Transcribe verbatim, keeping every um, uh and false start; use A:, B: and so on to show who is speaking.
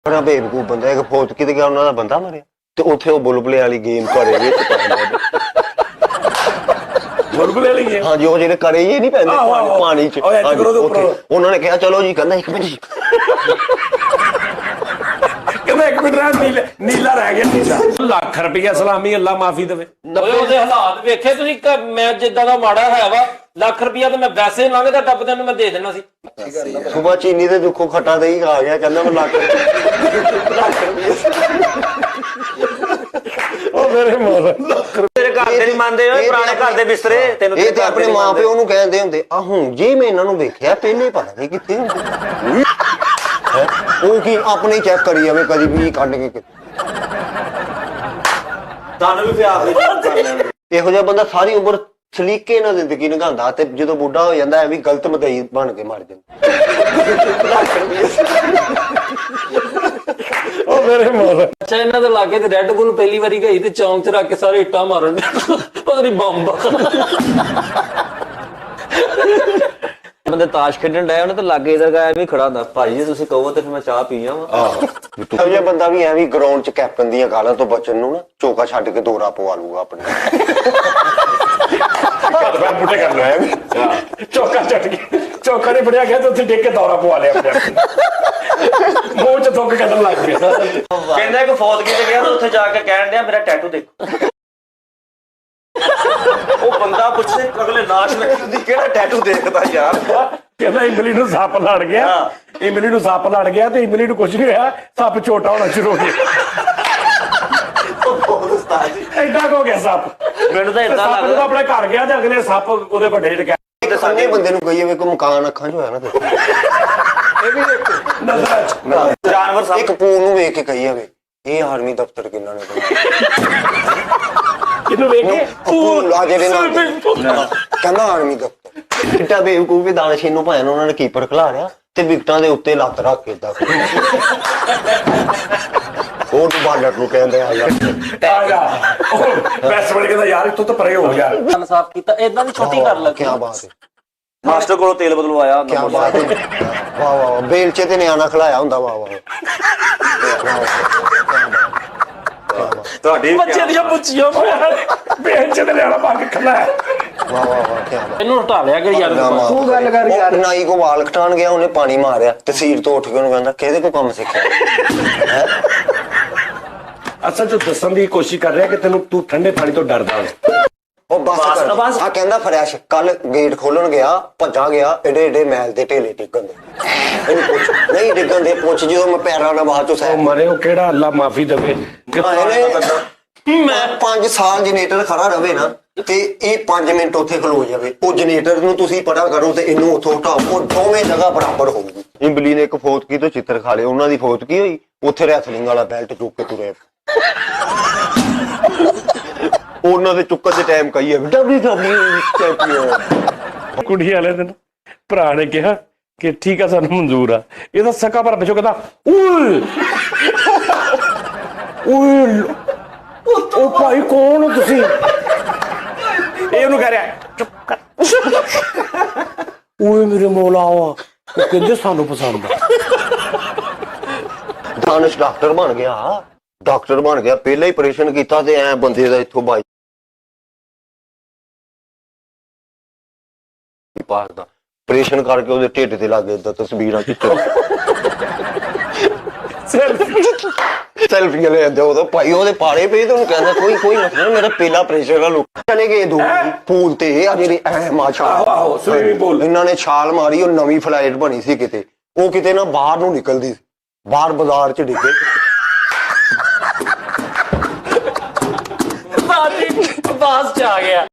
A: बड़ा बेवकूफ बंदा एक फौत की गया उन्होंने बंदा मरिया ते उत्थे वो बुलबुले वाली गेम करे जे
B: बुलबुले वाली गेम
A: हाँ जी वो जेने करे ये नहीं पैंदे पानी च उन्होंने कहा चलो जी कहना एक मिनट
B: कहना एक मिनट रह नीला नीला रह गया नीला ਲੱਖ ਰੁਪਇਆ ਸਲਾਮੀ ਅੱਲਾ ਮਾਫੀ ਦੇਵੇ
C: ਓਏ ਉਹਦੇ ਹਾਲਾਤ ਵੇਖੇ ਤੁਸੀਂ ਮੈਂ ਜਿੱਦਾਂ ਦਾ ਮਾੜਾ ਹੈ ਵਾ ਲੱਖ ਰੁਪਇਆ ਤੇ ਮੈਂ ਵੈਸੇ ਲੰਘਦਾ ਟੱਪਦੇ ਨੂੰ ਮੈਂ ਦੇ ਦੇਣਾ ਸੀ
A: ਸੁਬਾ ਚੀਨੀ ਤੇ ਦੁੱਖੋਂ ਖੱਟਾ ਦਹੀਂ ਖਾ ਗਿਆ ਕਹਿੰਦਾ ਮੈਂ ਲੱਖ
B: ਉਹ ਮੇਰੇ ਮੋਰ
C: ਤੇਰੇ ਘਰ ਦੇ ਨਹੀਂ ਮੰਨਦੇ ਓਏ ਪੁਰਾਣੇ ਘਰ ਦੇ ਬਿਸਤਰੇ ਤੈਨੂੰ
A: ਇਹ ਤੇ ਆਪਣੇ ਮਾਂ ਪਿਓ ਨੂੰ ਕਹਿੰਦੇ ਹੁੰਦੇ ਆ ਹੁਣ ਜੀ ਮੈਂ ਇਹਨਾਂ ਨੂੰ ਵੇਖਿਆ ਪਹਿਲੇ ਪਤਾ ਨਹੀਂ ਕਿੱਥੇ ਹੁੰਦੇ ਉਹ ਕੀ ਆਪਣੇ ਚੈੱਕ ਕਰੀ ਜਾਵੇ ਕਦੀ ਵੀ ਕੱਢ ਕੇ
C: ਤੁਹਾਨੂੰ ਵੀ ਪਿਆਰ ਦੇ ਕਰ ਲੈਣ
A: ਇਹੋ ਜਿਹਾ ਬੰਦਾ ਸਾਰੀ ਉਮਰ ਸਲੀਕੇ ਨਾਲ ਜ਼ਿੰਦਗੀ ਨਿਭਾਉਂਦਾ ਤੇ ਜਦੋਂ ਬੁੱਢਾ ਹੋ ਜਾਂਦਾ ਐਵੇਂ ਗਲਤ ਮਦਈ ਬਣ ਕੇ ਮਰ ਜਾਂਦਾ
B: ਉਹ ਮੇਰੇ ਮੋਰ
C: ਅੱਛਾ ਇਹਨਾਂ ਦੇ ਲਾਗੇ ਤੇ ਰੈੱਡ ਬੁੱਲ ਪਹਿਲੀ ਵਾਰੀ ਗਈ ਤੇ ਚੌਂਕ 'ਚ ਰੱਖ ਕੇ ਸਾਰੇ ਇੱਟਾਂ ਮਾਰਨ ਪਤਾ ਨਹੀਂ ਬੰਬ ਬੰਦੇ ਤਾਸ਼ ਖੇਡਣ ਡਿਆ ਉਹਨੇ ਤਾਂ ਲਾਗੇ ਇਧਰ ਗਿਆ ਵੀ ਖੜਾ ਹੁੰਦਾ ਭਾਈ ਜੀ ਤੁਸੀਂ ਕਹੋ ਤੇ ਫਿਰ ਮੈਂ ਚਾਹ ਪੀ ਆਵਾਂ
A: ਆਹ ਇਹੋ ਜਿਹਾ ਬੰਦਾ ਵੀ ਐਵੇਂ ਗਰਾਊਂਡ 'ਚ ਕੈਪਟਨ ਦੀਆਂ ਗਾਲਾਂ ਤੋਂ ਬਚਣ ਨੂੰ ਨਾ ਚੌਕਾ ਛੱਡ ਕੇ ਦੋਰਾ ਪਵਾ ਲੂਗਾ ਆਪਣੇ
B: ਬੁੱਢੇ ਕਰ ਲਿਆ ਚੌਕਾ ਚੱਟ ਗਿਆ ਚੌਕਾ ਨੇ ਫੜਿਆ ਗਿਆ ਤੇ ਉੱਥੇ ਡਿੱਗ ਕੇ ਦੌਰਾ ਪਵਾ ਲਿਆ ਆਪਣੇ ਮੂੰਹ 'ਚ ਥੁੱਕ ਕੱਢਣ ਲੱਗ ਪਿਆ
C: ਕਹਿੰਦਾ ਕਿ ਫੌਤ ਕਿਤੇ ਗਿਆ ਤਾਂ ਉੱਥੇ ਜਾ ਕੇ ਕਹਿਣ ਡਿਆ ਮੇਰਾ ਟੈਟੂ ਦੇਖੋ ਉਹ ਬੰਦਾ ਪੁੱਛਦੇ ਅਗਲੇ ਲਾਸ਼ ਰੱਖਦੀ ਕਿਹੜਾ ਟੈਟੂ ਦੇਖਦਾ ਯਾਰ
B: ਕਹਿੰਦਾ ਇਮਲੀ ਨੂੰ ਸੱਪ ਲੜ ਗਿਆ ਇਮਲੀ ਨੂੰ ਸੱਪ ਲੜ ਗਿਆ ਤੇ ਇਮਲੀ ਨੂੰ ਕੁਝ ਨਹੀਂ ਹੋਇਆ ਸੱਪ ਛੋਟਾ ਹੋਣਾ ਸ਼ੁਰੂ ਹੋ ਗਿਆ ਐਡਾ ਹੋ ਗਿਆ ਸੱਪ
C: ਮੈਨੂੰ ਤਾਂ ਇਦਾਂ
B: ਸੱਪ ਜਦੋਂ ਆਪਣੇ ਘਰ ਗਿਆ ਤੇ ਅਗਲੇ ਸੱਪ ਉਹਦੇ ਵੱਡੇ ਚ
A: ਤੇ ਸਾਡੇ ਬੰਦੇ ਨੂੰ ਕਹੀਏ ਵੀ ਕੋਈ ਮਕਾਨ ਅੱਖਾਂ 'ਚ ਹੋਇਆ ਨਾ ਤੇ ਇਹ ਵੀ ਦੇਖੋ
C: ਜਾਨਵਰ ਸਭ
A: ਇੱਕ ਪੂ ਨੂੰ ਵੇਖ ਕੇ ਕਹੀਏ ਵੀ ਇਹ ਆਰਮੀ ਦਫ਼ਤਰ ਕਿੰਨਾ ਨੇ ਬਣਾਇਆ
B: ਕਿਹਨੂੰ ਵੇਖ ਕੇ
A: ਪੂ ਆ ਜਿਹੜੇ ਨਾਲ ਕਹਿੰਦਾ ਆਰਮੀ ਦਫ਼ਤਰ ਕਿੱਟਾ ਬੇਵਕੂਫ ਵੀ ਦਾਨਸ਼ੀਨ ਨੂੰ ਭਾਵੇਂ ਉਹਨਾਂ ਨੇ ਕੀਪਰ ਖਿਲਾ ਰਿਆ ਤੇ ਵਿਕਟਾਂ ਦੇ ਉੱਤੇ ਲੱਤ ਰੱਖ ਕੇ ਇਦਾਂ ਉਹ ਨੂੰ ਬਾਲਰ ਨੂੰ ਕਹਿੰਦੇ ਆ ਯਾਰ
B: ਆ ਜਾ ਬੈਸ ਬਣ ਕਹਿੰਦਾ ਯਾਰ ਇੱਥੋਂ ਤਾਂ ਪਰੇ ਹੋ ਯਾਰ
C: ਕੰਨ ਸਾਫ਼ ਕੀਤਾ ਇਦਾਂ ਦੀ ਛੋਟੀ ਕਰ ਲੱਗੀ
A: ਕੀ ਬਾਤ ਹੈ
C: ਮਾਸਟਰ ਕੋਲੋਂ ਤੇਲ ਬਦਲਵਾਇਆ
A: ਕੀ ਬਾਤ ਹੈ ਵਾਹ ਵਾਹ ਬੇਲਚੇ ਤੇ ਨਿਆਣਾ ਖਿਲਾਇਆ ਹੁੰਦਾ ਵਾਹ ਵਾਹ
C: ਤੁਹਾਡੀ
B: ਬੱਚੇ ਦੀਆਂ ਪੁੱਛੀਆਂ ਬੇਂਚ ਤੇ ਲਿਆਣਾ ਪਾ ਕੇ ਖਲਾਇਆ
A: ਵਾਹ ਵਾਹ ਵਾਹ ਕੀ ਬਾਤ
C: ਇਹਨੂੰ ਹਟਾ ਲਿਆ ਕਿ ਯਾਰ
A: ਤੂੰ ਗੱਲ ਕਰ ਯਾਰ ਨਾਈ ਕੋ ਵਾਲ ਕਟਾਣ ਗਿਆ ਉਹਨੇ ਪਾਣੀ ਮਾਰਿਆ ਤੇ ਸੀਟ ਤੋਂ ਉੱਠ ਕੇ ਉਹਨੂੰ ਕਹਿੰਦਾ ਕਿਹਦੇ ਕੋ ਕੰਮ ਸਿੱਖਿਆ
B: ਅਸਲ ਚ ਦੱਸਣ ਦੀ ਕੋਸ਼ਿਸ਼ ਕਰ ਰਿਹਾ ਕਿ ਤੈਨੂੰ ਤੂੰ ਠੰਡੇ ਪਾਣੀ ਤੋਂ ਡਰਦਾ ਹੈ
A: ਉਹ ਬਸ ਕਰ ਆ ਕਹਿੰਦਾ ਫਰੈਸ਼ ਕੱਲ ਗੇਟ ਖੋਲਣ ਗਿਆ ਭੱਜਾ ਗਿਆ ਏਡੇ ਏਡੇ ਮੈਲ ਦੇ ਢੇਲੇ ਟਿਕਣ ਦੇ ਇਹਨੂੰ ਪੁੱਛ ਨਹੀਂ ਡਿੱਗਣ ਦੇ ਪੁੱਛ ਜਦੋਂ ਮੈਂ ਪੈਰਾਂ ਨਾਲ ਬਾਹਰ ਚੋਂ ਸਹਿ
B: ਮਰੇ ਉਹ ਕਿਹੜਾ ਅੱਲਾ ਮਾਫੀ ਦੇਵੇ
A: ਮੈਂ ਪੰਜ ਸਾਲ ਜਨਰੇਟਰ ਖੜਾ ਰਵੇ ਨਾ ਤੇ ਇਹ ਪੰਜ ਮਿੰਟ ਉੱਥੇ ਖਲੋ ਜਾਵੇ ਉਹ ਜਨਰੇਟਰ ਨੂੰ ਤੁਸੀਂ ਪਤਾ ਕਰੋ ਤੇ ਇਹਨੂੰ ਉੱਥੋਂ ਹਟਾਓ ਉਹ ਦੋਵੇਂ ਜਗ੍ਹਾ ਬਰਾਬਰ ਹੋਊਗੀ ਇੰਬਲੀ ਨੇ ਇੱਕ ਫੌਤਕੀ ਤੋਂ ਚਿੱਤਰ ਖਾ ਲਏ ਉਹਨਾਂ ਦੀ ਫੌਤਕੀ ਹੋਈ ਉੱਥੇ ਰੈਸਲਿੰਗ ਵਾਲਾ ਬੈਲਟ ਚੁੱਕ ਕੇ ਤੁਰੇ ਉਹਨਾਂ ਦੇ ਚੁੱਕਣ ਦੇ ਟਾਈਮ ਕਹੀਏ ਡਬਲਯੂ ਡਬਲਯੂ ਚੈਂਪੀਅਨ
B: ਕੁੜੀ ਵਾਲੇ ਦਿਨ ਭਰਾ ਨੇ ਕਿਹਾ ਕਿ ਠੀਕ ਆ ਸਾਨੂੰ ਮਨਜ਼ੂਰ ਆ ਇਹਦਾ ਸਕਾ ਪਰ ਪਿੱਛੋਂ ਕਹਿੰਦਾ ਓਏ ਓਏ ਉਹ ਭਾਈ ਕੌਣ ਹੋ ਤੁਸੀਂ ਇਹ ਉਹਨੂੰ ਕਹਿ ਰਿਹਾ ਚੁੱਪ ਕਰ ਓਏ ਮੇਰੇ ਮੌਲਾ ਉਹ ਕਹਿੰਦੇ ਸਾਨੂੰ ਪਸੰਦ ਆ
A: ਦਾਨਿਸ਼ ਡਾਕਟਰ ਬਣ ਗਿਆ ਡਾਕਟਰ ਬਣ ਗਿਆ ਪਹਿਲਾਂ ਹੀ ਆਪਰੇਸ਼ਨ ਕੀਤਾ ਤੇ ਐ ਬੰਦੇ ਦਾ ਇੱਥੋਂ ਬਾਈ ਪਾਸ ਦਾ ਆਪਰੇਸ਼ਨ ਕਰਕੇ ਉਹਦੇ ਢਿੱਡ ਤੇ ਲੱਗ ਇਦਾਂ ਤਸਵੀਰਾਂ ਖਿੱਚੋ ਸੈਲਫੀ ਲੈ ਜਾਂਦੇ ਉਦੋਂ ਭਾਈ ਉਹਦੇ ਪਾੜੇ ਪਏ ਤੇ ਉਹਨੂੰ ਕਹਿੰਦਾ ਕੋਈ ਕੋਈ ਮਸਲਾ ਮੇਰਾ ਪਹਿਲਾ ਆਪਰੇਸ਼ਨ ਆ ਲੋਕ ਚਲੇ ਗਏ ਦੋ ਪੂਲ ਤੇ ਆ ਜਿਹੜੀ ਐ ਮਾਛਾ
B: ਆਹੋ ਸਵੀਮਿੰਗ ਪੂਲ
A: ਇਹਨਾਂ ਨੇ ਛਾਲ ਮਾਰੀ ਉਹ ਨਵੀਂ ਫਲਾਈਟ ਬਣੀ ਸੀ ਕਿਤੇ ਉਹ ਕਿਤੇ ਨਾ ਬਾਹਰ ਨੂੰ ਨਿਕਲਦੀ ਸੀ ਬਾਹਰ ਬਾਜ਼ਾਰ ਚ ਡਿੱਗੇ
C: ਬਾਸ ਚ ਆ ਗਿਆ